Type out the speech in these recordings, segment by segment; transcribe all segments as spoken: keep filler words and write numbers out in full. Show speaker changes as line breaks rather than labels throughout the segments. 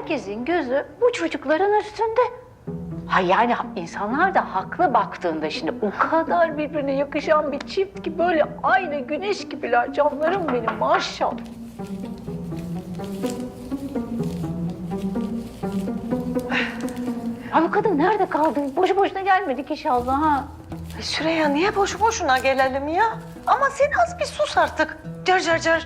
herkesin gözü bu çocukların üstünde. Ha yani insanlar da haklı baktığında şimdi o kadar birbirine yakışan bir çift ki böyle aynı güneş gibiler canlarım benim maşallah. Ha bu kadın nerede kaldı? Boşu boşuna gelmedik inşallah ha.
E Süreyya niye boşu boşuna gelelim ya? Ama sen az bir sus artık. Car car car.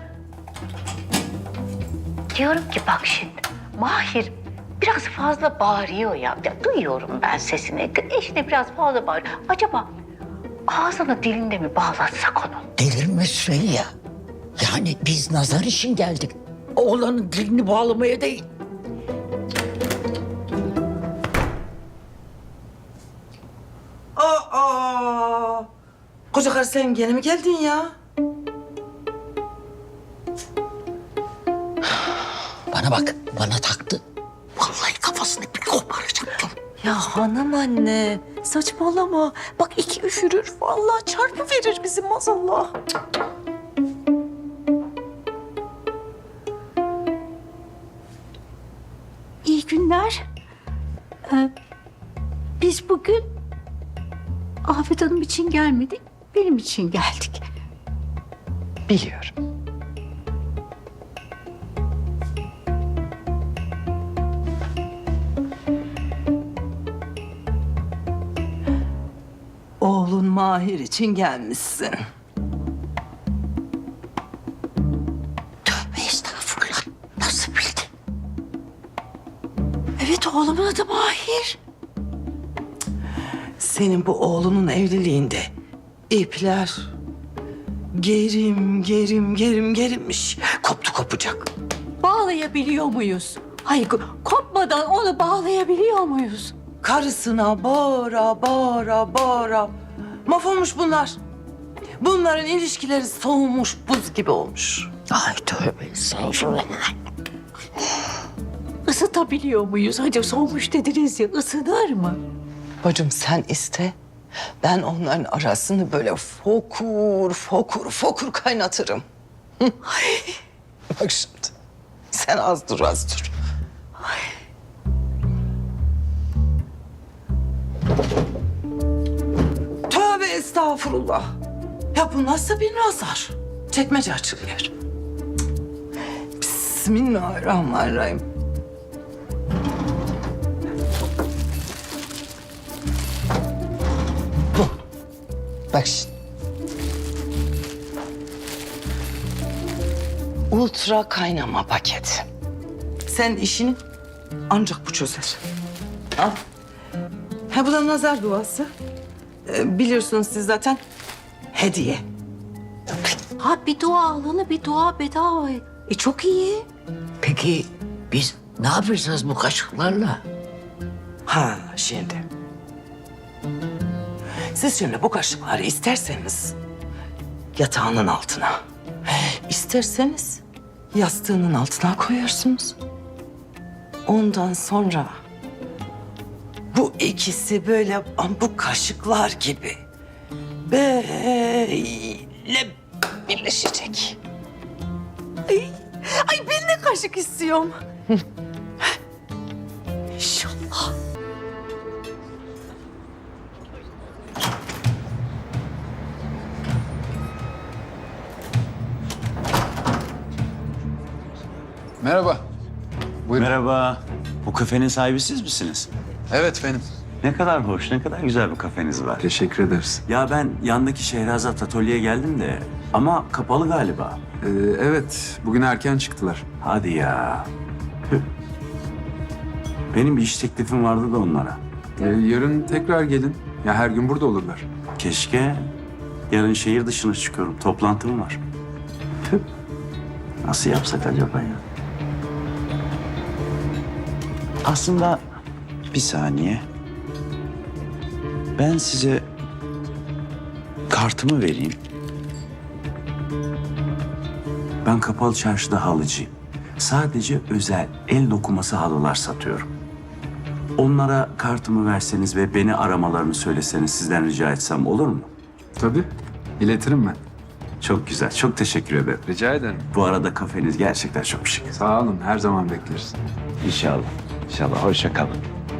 Diyorum ki bak şimdi Mahir biraz fazla bağırıyor ya. Ya duyuyorum ben sesini. İşte biraz fazla bağırıyor. Acaba ağzını dilinde mi bağlatsak onu?
Delirme Süreyya. Yani biz nazar için geldik. Oğlanın dilini bağlamaya değil.
Aa! Koca karı sen gene mi geldin ya?
Bana bak, bana taktı. Vallahi kafasını bir koparacaktım.
Ya hanım anne saçmalama. Bak iki üfürür vallahi çarpı verir bizim maazallah.
İyi günler. Ee, biz bugün Afet Hanım için gelmedik, benim için geldik.
Biliyorum. Oğlun Mahir için gelmişsin.
Tövbe estağfurullah. Nasıl bildin?
Evet oğlumun adı Mahir.
Senin bu oğlunun evliliğinde ipler gerim gerim gerim gerilmiş. Koptu kopacak.
Bağlayabiliyor muyuz? Hayır kopmadan onu bağlayabiliyor muyuz?
Karısına bağıra bağıra bağıra. Mahvolmuş bunlar. Bunların ilişkileri soğumuş, buz gibi olmuş.
Ay tövbe estağfurullah.
Isıtabiliyor muyuz? Hadi soğumuş dediniz ya ısınır mı?
Bacım sen iste. Ben onların arasını böyle fokur fokur fokur kaynatırım. Hı. Bak şimdi. Sen az dur az dur. Tövbe estağfurullah. Ya bu nasıl bir nazar? Çekmece açılıyor. Cık. Bismillahirrahmanirrahim. Bu. Bak şimdi. Ultra kaynama paketi. Sen işini ancak bu çözer. Al. Ha bu da nazar duası. Ee, biliyorsunuz siz zaten hediye.
Ha bir dua alanı bir dua bedava. E çok iyi.
Peki biz ne yapacağız bu kaşıklarla?
Ha şimdi. Siz şimdi bu kaşıkları isterseniz yatağının altına, isterseniz yastığının altına koyarsınız. Ondan sonra bu ikisi böyle bu kaşıklar gibi böyle birleşecek.
Ay, ay ben de kaşık istiyorum.
İnşallah.
Merhaba. Buyurun.
Merhaba. Bu kafenin sahibi siz misiniz?
Evet benim.
Ne kadar hoş, ne kadar güzel bir kafeniz var.
Teşekkür ederiz.
Ya ben yandaki Şehrazat Atölye'ye geldim de ama kapalı galiba.
Ee, evet, bugün erken çıktılar.
Hadi ya. Tüh. Benim bir iş teklifim vardı da onlara.
Ee, yarın tekrar gelin. Ya her gün burada olurlar.
Keşke yarın şehir dışına çıkıyorum. Toplantım var. Tüh. Nasıl yapsak acaba ya? Aslında bir saniye. Ben size kartımı vereyim. Ben kapalı çarşıda halıcıyım. Sadece özel el dokuması halılar satıyorum. Onlara kartımı verseniz ve beni aramalarını söyleseniz sizden rica etsem olur mu?
Tabii, iletirim ben.
Çok güzel. Çok teşekkür ederim.
Rica ederim.
Bu arada kafeniz gerçekten çok şık.
Sağ olun. Her zaman bekleriz.
İnşallah. İnşallah. Hoşça kalın.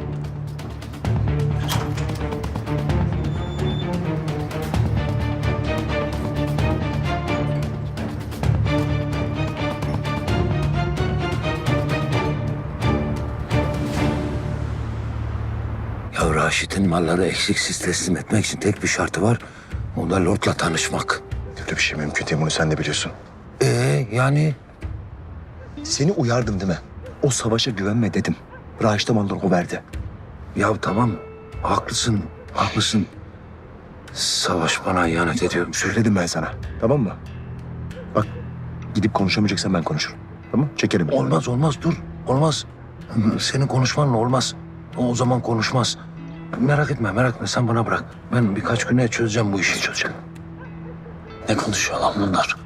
Ya Raşit'in malları eksiksiz teslim etmek için tek bir şartı var. O da Lord'la tanışmak.
Kötü bir şey mümkün değil, bunu sen de biliyorsun.
Ee yani
Seni uyardım değil mi? O savaşa güvenme dedim. Raşit'e malları o verdi.
ya tamam haklısın haklısın. Savaş bana ihanet ediyorum.
Söyledim ben sana, tamam mı? Bak, gidip konuşamayacaksan ben konuşurum. Tamam, çekerim.
Olmaz olmaz dur olmaz. Senin konuşmanla olmaz. O, o zaman konuşmaz. Merak etme merak etme sen bana bırak. Ben birkaç güne çözeceğim bu işi çözeceğim. Ne konuşuyor lan bunlar?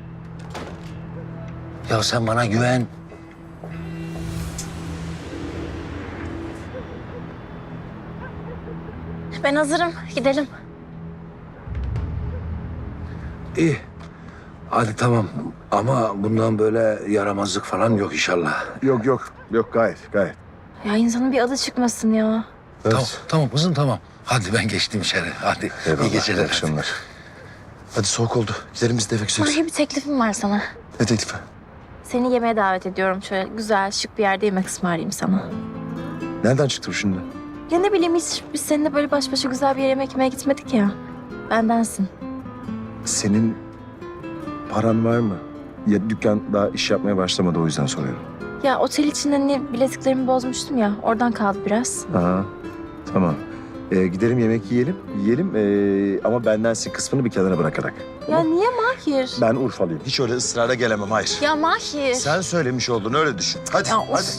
Ya sen bana güven.
Ben hazırım. Gidelim.
İyi. Hadi tamam. Ama bundan böyle yaramazlık falan yok inşallah.
Yok yok, yok gayet, gayet.
Ya insanın bir adı çıkmasın ya.
Tamam, tamam kızım tamam. Hadi ben geçtim içeri. Hadi iyi geceler.
iyi akşamlar. Hadi soğuk oldu, gidelim biz de eve gideceğiz.
Buraya bir teklifim var sana.
Ne teklifi?
Seni yemeğe davet ediyorum. Şöyle güzel, şık bir yerde yemek ısmarlayayım sana.
Nereden çıktı bu şimdi?
Ya ne bileyim hiç biz seninle böyle baş başa güzel bir yere yemek yemeye gitmedik ya. Bendensin.
Senin paran var mı? Ya dükkan daha iş yapmaya başlamadı, o yüzden soruyorum.
Ya otel için hani bileziklerimi bozmuştum ya. Oradan kaldı biraz.
Aha, tamam. Ee, gidelim yemek yiyelim, yiyelim ee, ama bendensin kısmını bir kenara bırakarak.
Ya niye Mahir?
Ben Urfalıyım. Hiç öyle ısrara gelemem, hayır.
Ya Mahir.
Sen söylemiş oldun, öyle düşün. Hadi,
Ya of.
hadi.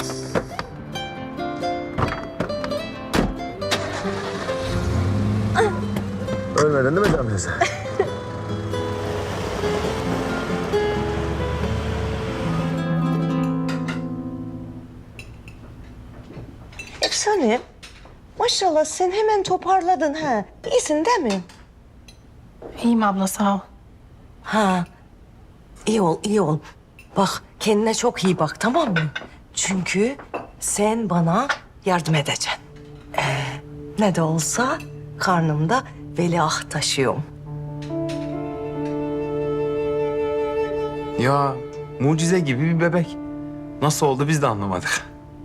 Ölmeden değil mi Can teyze?
Efsane. Maşallah sen hemen toparladın ha. İyisin değil mi?
İyiyim abla sağ ol.
Ha. İyi ol, iyi ol. Bak kendine çok iyi bak tamam mı? Çünkü sen bana yardım edeceksin. Ee, ne de olsa karnımda veliaht taşıyorum.
Ya mucize gibi bir bebek. Nasıl oldu biz de anlamadık.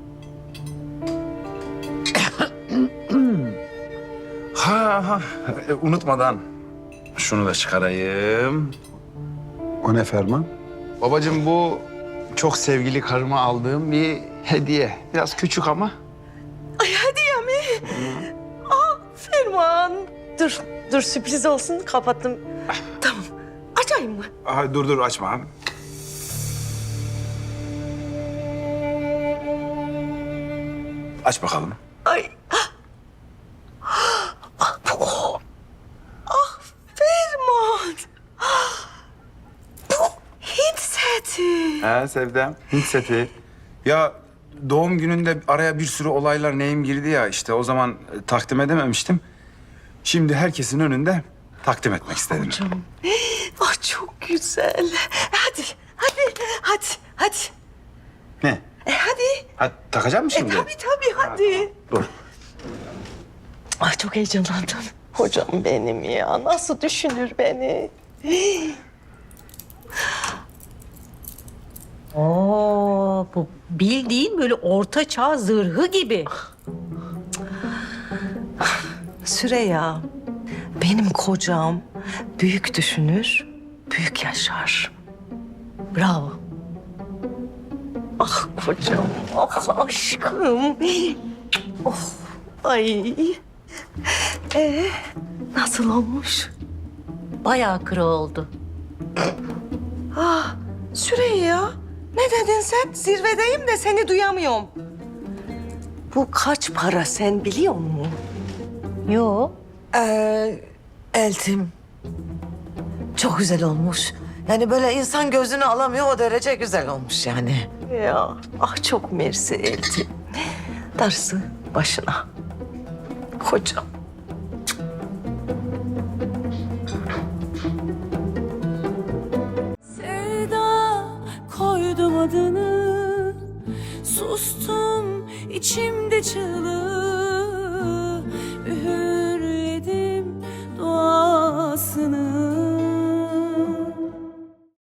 ha ha e, unutmadan şunu da çıkarayım.
O ne Ferman?
Babacığım bu çok sevgili karıma aldığım bir hediye. Biraz küçük ama.
Ay hediye mi? Aa Ferman. Dur, dur sürpriz olsun kapattım. Tamam. Açayım mı?
Aha, dur dur açma. Aç bakalım.
Ay. Ah, bu o. Ah Ferman. Bu Hint seti.
He Sevdem. Hint seti. Ya doğum gününde araya bir sürü olaylar neyim girdi ya işte o zaman e, takdim edememiştim. Şimdi herkesin önünde takdim etmek istedim.
Canım. Ah çok güzel. Hadi, hadi, hadi, hadi.
Ne?
E hadi.
Ha, takacak mısın
E
şimdi?
tabii tabii hadi.
Dur.
Ay çok heyecanlandım. Hocam benim ya. Nasıl düşünür beni?
Oo, bu bildiğin böyle orta çağ zırhı gibi.
Süreyya, benim kocam büyük düşünür, büyük yaşar. Bravo. Ah kocam, ah aşkım. Oh, ay. Ee, nasıl olmuş?
Bayağı kırı oldu.
Ah, Süreyya, ne dedin sen? Zirvedeyim de seni duyamıyorum. Bu kaç para sen biliyor musun?
Yo.
Ee, Eltim. Çok güzel olmuş. Yani böyle insan gözünü alamıyor o derece güzel olmuş yani.
Ya, ah çok mersi Eltim. Darısı başına. Kocam.
içimde çığlık.